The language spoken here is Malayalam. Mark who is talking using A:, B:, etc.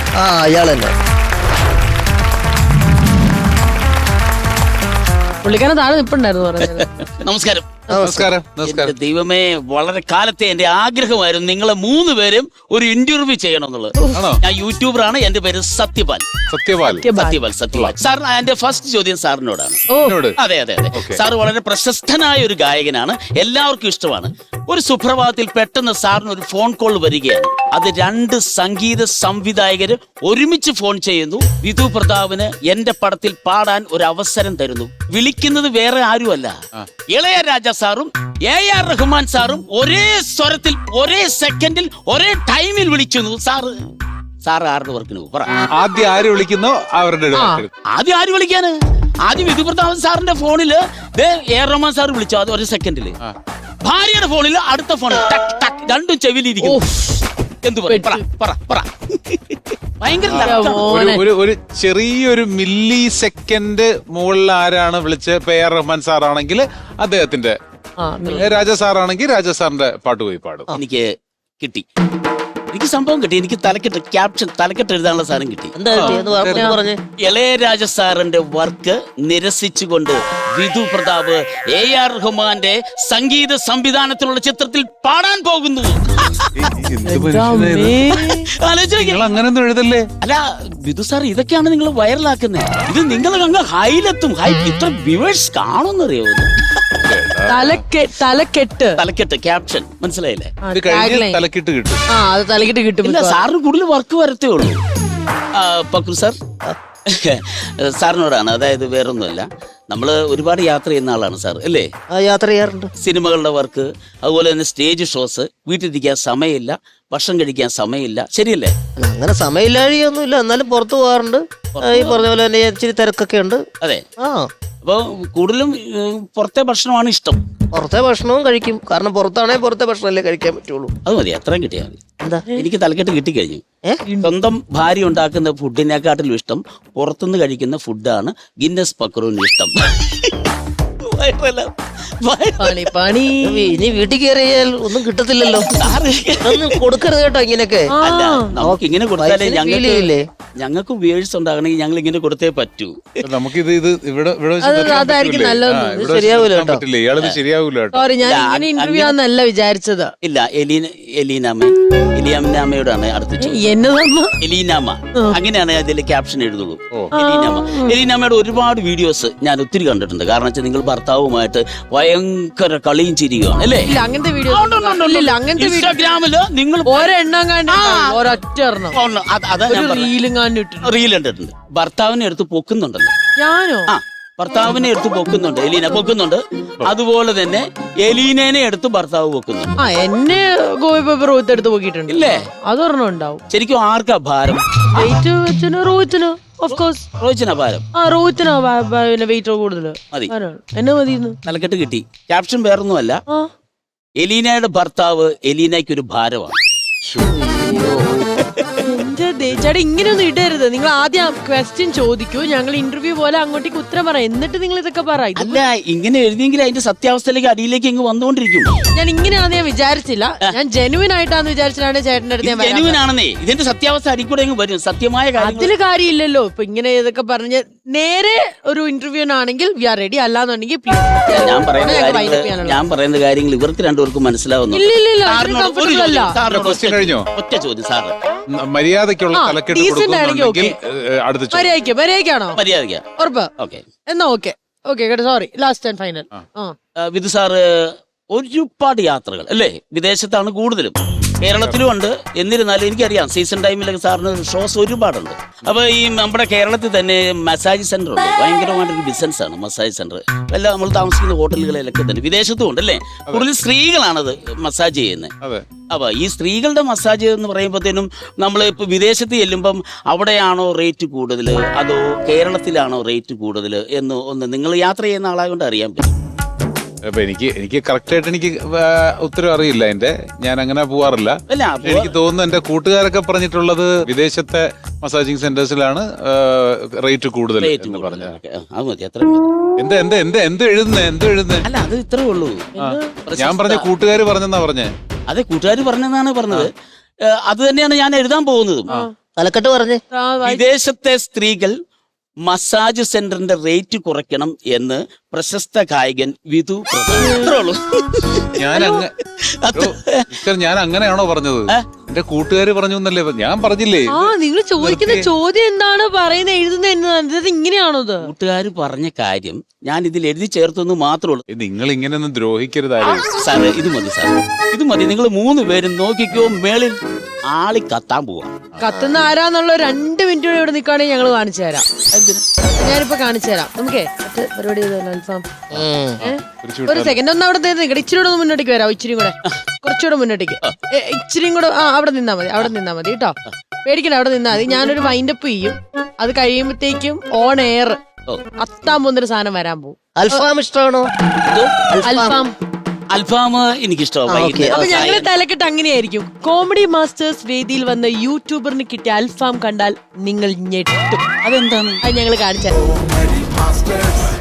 A: ആ അയാൾ തന്നെ.
B: പുള്ളിക്കാരൻ താഴെ നിപ്പുണ്ടായിരുന്നു പറഞ്ഞത്.
C: നമസ്കാരം.
D: നമസ്കാരം. നമസ്കാരം.
C: ദൈവമേ, വളരെ കാലത്തെ എന്റെ ആഗ്രഹമായിരുന്നു നിങ്ങളെ 3 പേരും ഒരു ഇന്റർവ്യൂ ചെയ്യണം എന്നുള്ളത്. ഞാൻ യൂട്യൂബറാണ്, എന്റെ പേര് സത്യപാൽ. സത്യപാൽ. സാർ, എന്റെ ഫസ്റ്റ് ചോദ്യം സാറിനോടാണ്. അതെ അതെ അതെ. സാർ വളരെ പ്രശസ്തനായ ഒരു ഗായകനാണ്, എല്ലാവർക്കും ഇഷ്ടമാണ്. ഒരു സുപ്രഭാതത്തിൽ പെട്ടെന്ന് സാറിന് ഒരു ഫോൺ കോൾ വരികയാണ്. അത് 2 സംഗീത സംവിധായകര് ഒരുമിച്ച് ഫോൺ ചെയ്യുന്നു. വിധു പ്രതാപിന് എന്റെ പടത്തിൽ പാടാൻ ഒരു അവസരം തരുന്നു. വിളിക്കുന്നത് വേറെ ആരുമല്ല, ഇളയരാജ സാറും AR റഹ്മാൻ സാറും ഒരേ സ്വരത്തിൽ ഒരേ സെക്കൻഡിൽ ഒരേ ടൈമിൽ വിളിക്കുന്നു. സാറ് ആരുടെ വർക്കിന് പറ.
D: ആദ്യം ആര് വിളിക്കുന്നോ അവരുടെ
C: ആദ്യം ആര് വിളിക്കാന്? ആദ്യം വിധു പ്രതാപൻ സാറിന്റെ ഫോണില് AR റഹ്മാൻ സാർ വിളിച്ചു, അത് ഒരു സെക്കൻഡില്. ഭാര്യയുടെ ഫോണില് അടുത്ത ഫോൺ ടക്ക് ടക്ക്, രണ്ടും ചെവിയിലിരിക്കുന്നു. എന്തു പറ.
D: ഒരു ചെറിയൊരു മില്ലി സെക്കൻഡ് മുകളിൽ ആരാണ് വിളിച്ച് AR റഹ്മാൻ സാറാണെങ്കിൽ അദ്ദേഹത്തിന്റെ, രാജ സാറാണെങ്കിൽ രാജ സാറിന്റെ പാട്ട് പോയി പാടും.
C: എനിക്ക് സംഭവം കിട്ടി. എനിക്ക് തലക്കെട്ട് എഴുതാനുള്ള സാധനം കിട്ടി. ഇളയരാജ സാറിന്റെ വർക്ക് നിരസിച്ചുകൊണ്ട് വിധു പ്രതാപ് AR റഹ്മാന്റെ സംഗീത സംവിധാനത്തിലുള്ള ചിത്രത്തിൽ പാടാൻ പോകുന്നു.
D: അങ്ങനൊന്നും എഴുതല്ലേ.
C: അല്ല വിധു സാർ, ഇതൊക്കെയാണ് നിങ്ങൾ വൈറലാക്കുന്നത്. ഇത് നിങ്ങൾ അങ്ങ് ഹൈലെത്തും. ഇത്ര വ്യൂവേഴ്സ് കാണുമെന്നറിയോ? തലക്കെട്ട് ക്യാപ്ഷൻ മനസ്സിലായില്ലേ?
D: തലക്കിട്ട് കിട്ടും.
B: തലക്കിട്ട് കിട്ടും.
C: ഇല്ല, സാറിന് കൂടുതൽ വർക്ക് വരത്തേ ഉള്ളൂ. പക്രു സാർ, സാറിനോടാണ്. അതായത് വേറൊന്നുമല്ല, നമ്മള് ഒരുപാട് യാത്ര ചെയ്യുന്ന ആളാണ് സാർ, അല്ലേ?
A: യാത്ര ചെയ്യാറുണ്ട്.
C: സിനിമകളുടെ വർക്ക്, അതുപോലെ തന്നെ സ്റ്റേജ് ഷോസ്, വീട്ടിലിരിക്കാൻ സമയമില്ല, ഭക്ഷണം കഴിക്കാൻ സമയമില്ല, ശരിയല്ലേ?
A: അങ്ങനെ സമയമില്ലാഴിയൊന്നുമില്ല, എന്നാലും പുറത്തു പോകാറുണ്ട്. ഈ പറഞ്ഞ പോലെ തന്നെ ഇച്ചിരി തിരക്കൊക്കെ ഉണ്ട്.
C: അതെ. അപ്പൊ കൂടുതലും പുറത്തെ ഭക്ഷണമാണ് ഇഷ്ടം.
A: പുറത്തെ ഭക്ഷണവും കഴിക്കും, കാരണം പുറത്താണെങ്കിൽ പുറത്തെ ഭക്ഷണമല്ലേ കഴിക്കാൻ പറ്റുള്ളൂ.
C: അത് മതി, അത്രയും കിട്ടിയാൽ മതി. എനിക്ക് തലക്കെട്ട് കിട്ടിക്കഴിഞ്ഞു. സ്വന്തം ഭാര്യ ഉണ്ടാക്കുന്ന ഫുഡിനെക്കാട്ടിലും ഇഷ്ടം പുറത്തുനിന്ന് കഴിക്കുന്ന ഫുഡാണ് ഗിന്നസ് പക്രുവിന് ഇഷ്ടം.
A: ഇനി വീട്ടിൽ കയറിയാൽ ഒന്നും കിട്ടത്തില്ലല്ലോ. ഒന്നും കൊടുക്കരുത് കേട്ടോ ഇങ്ങനെയൊക്കെ.
C: നമുക്ക് ഇങ്ങനെ കൊടുത്താലേ ഞങ്ങൾക്ക് വ്യൂവേഴ്സ് ഉണ്ടാകണമെങ്കിൽ ഞങ്ങൾ ഇങ്ങനെ കൊടുത്തേ പറ്റൂ.
D: നമുക്കിത് ഇവിടെ
A: ശരിയാവൂല.
B: വിചാരിച്ചത്
C: ഇല്ല. എലീനാമയോടാണ് അടുത്ത എലീനാമ. അങ്ങനെയാണ് അതിൽ ക്യാപ്ഷൻ എഴുതുള്ളൂ. എലീനാമയുടെ ഒരുപാട് വീഡിയോസ് ഞാൻ ഒത്തിരി കണ്ടിട്ടുണ്ട്. കാരണം വെച്ചാൽ നിങ്ങൾ ഭർത്താവുമായിട്ട് ഭയങ്കര കളിയും ചിരിയുകയാണ്, അല്ലേ?
B: അങ്ങനത്തെ വീഡിയോ
C: ഇൻസ്റ്റാഗ്രാമില് നിങ്ങൾ റീൽ കണ്ടിട്ടുണ്ട്. ഭർത്താവിനെ എടുത്ത് പൊക്കുന്നുണ്ടല്ലോ.
B: ഞാനോ?
C: ഭർത്താവിനെ എടുത്ത് പൊക്കുന്നുണ്ട്, എലീന പൊക്കുന്നുണ്ട്. അതുപോലെ തന്നെ എലീനേനെ എടുത്ത് ഭർത്താവ് പൊക്കുന്നുണ്ട്.
B: എന്നെ എടുത്ത് പൊക്കിയിട്ടുണ്ട്, ഇല്ലേ? അതൊരെണ്ണം ഉണ്ടാവും.
C: ശരിക്കും ആർക്കാ ഭാരം? റോഹിത്തിനാ ഭാരം.
B: വെയിറ്റ് കൂടുതൽ
C: തലക്കെട്ട് കിട്ടി. ക്യാപ്ഷൻ വേറൊന്നുമല്ല, എലീനയുടെ ഭർത്താവ് എലീനയ്ക്ക് ഒരു ഭാരമാണ്.
B: ചേട്ടാ, ഇങ്ങനെയൊന്നും ഇടരുത്. നിങ്ങൾ ആദ്യം ക്വസ്റ്റ്യൻ ചോദിക്കൂ, ഞങ്ങൾ ഇന്റർവ്യൂ പോലെ അങ്ങോട്ടേക്ക് ഉത്തരം പറയാം, എന്നിട്ട് നിങ്ങൾ ഇതൊക്കെ പറ.
C: അല്ല, ഇങ്ങനെ എഴുതിയെങ്കിൽ അതിന്റെ സത്യാവസ്ഥയിലേക്ക് അടിയിലേക്ക് ഇങ്ങ് വന്നുകൊണ്ടിരിക്കും.
B: ഞാൻ ഇങ്ങനെയാണെന്ന് ഞാൻ വിചാരിച്ചില്ല. ഞാൻ ജെനുവിൻ ആയിട്ടാന്ന് വിചാരിച്ചിട്ടാണ് ചേട്ടന്റെ അടുത്ത്.
C: ജെനുവിൻ ആണെന്നേ, ഇതിന്റെ സത്യാവസ്ഥ അടിക്കൂടെ വരും. സത്യമായ
B: അതില് കാര്യമില്ലല്ലോ. ഇപ്പൊ ഇങ്ങനെ ഇതൊക്കെ പറഞ്ഞ് നേരെ ഒരു ഇന്റർവ്യൂനാണെങ്കിൽ വി ആർ റെഡി, അല്ലാന്നുണ്ടെങ്കിൽ
C: ഞാൻ പറയുന്ന കാര്യങ്ങൾ ഇവർക്ക് രണ്ടുപേർക്കും മനസ്സിലാവുന്നു. ഒറ്റ ചോദ്യം സാറ്,
D: മര്യാദക്കുള്ള
B: ഫൈനൽ.
C: വിധു സാറ് ഒരുപാട് യാത്രകൾ, അല്ലേ? വിദേശത്താണ് കൂടുതലും, കേരളത്തിലും ഉണ്ട്. എന്നിരുന്നാലും എനിക്കറിയാം സീസൺ ടൈമിലൊക്കെ സാറിന് ഷോസ് ഒരുപാടുണ്ട്. അപ്പൊ ഈ നമ്മുടെ കേരളത്തിൽ തന്നെ മസാജ് സെന്റർ ഉണ്ട്. ഭയങ്കരമായിട്ടൊരു ബിസിനസ് ആണ് മസാജ് സെന്റർ. എല്ലാം നമ്മൾ താമസിക്കുന്ന ഹോട്ടലുകളിലൊക്കെ തന്നെ. വിദേശത്തും ഉണ്ട്, അല്ലേ? കൂടുതൽ സ്ത്രീകളാണത് മസാജ് ചെയ്യുന്നത്. അപ്പൊ ഈ സ്ത്രീകളുടെ മസാജ് എന്ന് പറയുമ്പോഴത്തേനും നമ്മൾ ഇപ്പൊ വിദേശത്ത് ചെല്ലുമ്പം അവിടെയാണോ റേറ്റ് കൂടുതൽ അതോ കേരളത്തിലാണോ റേറ്റ് കൂടുതൽ എന്ന് ഒന്ന് നിങ്ങൾ യാത്ര ചെയ്യുന്ന ആളായതുകൊണ്ട് അറിയാൻ പറ്റും.
D: അപ്പൊ എനിക്ക് കറക്റ്റ് ആയിട്ട് എനിക്ക് ഉത്തരം അറിയില്ല. ഞാൻ അങ്ങനെ പോവാറില്ല. എനിക്ക് തോന്നുന്നു എന്റെ കൂട്ടുകാരൊക്കെ പറഞ്ഞിട്ടുള്ളത് വിദേശത്തെ മസാജിങ് സെന്റേഴ്സിലാണ് റേറ്റ് കൂടുതൽ എന്ന് പറഞ്ഞത്. എന്ത് എഴുതുന്നേ?
C: അല്ല, അത് ഇത്രേ ഉള്ളൂ.
D: ഞാൻ പറഞ്ഞ കൂട്ടുകാർ പറഞ്ഞെന്നാ പറഞ്ഞേ.
C: അതെ, കൂട്ടുകാർ പറഞ്ഞെന്നാണ് പറഞ്ഞത്. അത് തന്നെയാണ് ഞാൻ എഴുതാൻ പോകുന്നതും.
A: തലക്കെട്ട് പറഞ്ഞേ.
C: വിദേശത്തെ സ്ത്രീകൾ മസാജ് സെന്ററിന്റെ റേറ്റ് കുറയ്ക്കണം എന്ന് പ്രശസ്ത ഗായകൻ വിധു പ്രതാപ്. ഇത്രേ ഉള്ളൂ.
D: ഞാൻ അങ്ങനെയാണോ പറഞ്ഞത്? എന്റെ കൂട്ടുകാര് പറഞ്ഞു എന്നല്ലേ ഞാൻ പറഞ്ഞില്ലേ?
B: ആ നിങ്ങൾ ചോദിക്കുന്ന ചോദ്യം എന്താണ് പറയുന്നത് എഴുതുന്നത് ഇങ്ങനെയാണോ?
C: കൂട്ടുകാര് പറഞ്ഞ കാര്യം ഞാൻ ഇതിൽ എഴുതി ചേർത്തെന്ന് മാത്രമേ ഉള്ളൂ.
D: നിങ്ങൾ ഇങ്ങനെയൊന്നും ദ്രോഹിക്കരുതാരും.
C: സാറേ ഇത് മതി, സാറേ ഇത് മതി. നിങ്ങൾ 3 പേരും നോക്കിക്കോ, മേളിൽ ആളി കത്താൻ പോവാ.
B: കത്തുന്ന ആരാന്നുള്ള 2 മിനിറ്റ് കൂടെ ഇവിടെ നിൽക്കുകയാണെങ്കിൽ ഞങ്ങൾ കാണിച്ചു തരാം. ഞാനിപ്പോ കാണിച്ചു തരാം. നമുക്കേ മറ്റേ പരിപാടി ചെയ്തല്ലോ അൽഫാം. ഒരു സെക്കൻഡ് ഒന്ന് അവിടെ നിൽക്കട്ടെ. ഇച്ചിരി കൂടെ ഒന്ന് മുന്നോട്ടേക്ക് വരാം. ഇച്ചിരി കൂടെ കുറച്ചുകൂടെ മുന്നോട്ടേക്ക്. ഇച്ചിരിയും കൂടെ അവിടെ നിന്നാ മതി. അവിടെ നിന്നാ മതി കേട്ടോ. പേടിക്കണ്ട, അവിടെ നിന്നാ മതി. ഞാനൊരു വൈൻഡപ്പ് ചെയ്യും. അത് കഴിയുമ്പോഴത്തേക്കും ഓൺ എയർ അത്താൻ പോകുന്നൊരു സാധനം വരാൻ പോകും.
A: അൽഫാം ഇഷ്ടമാണോ?
B: അൽഫാം
C: അൽഫാം എനിക്കിഷ്ടമാണ്.
B: അപ്പൊ ഞങ്ങള് തലക്കെട്ട് അങ്ങനെയായിരിക്കും. കോമഡി മാസ്റ്റേഴ്സ് വേദിയിൽ വന്ന യൂട്യൂബറിന് കിട്ടിയ അൽഫാം കണ്ടാൽ നിങ്ങൾ ഞെട്ടും.
C: അതെന്താണ്?
B: അത് ഞങ്ങൾ കാണിച്ചു.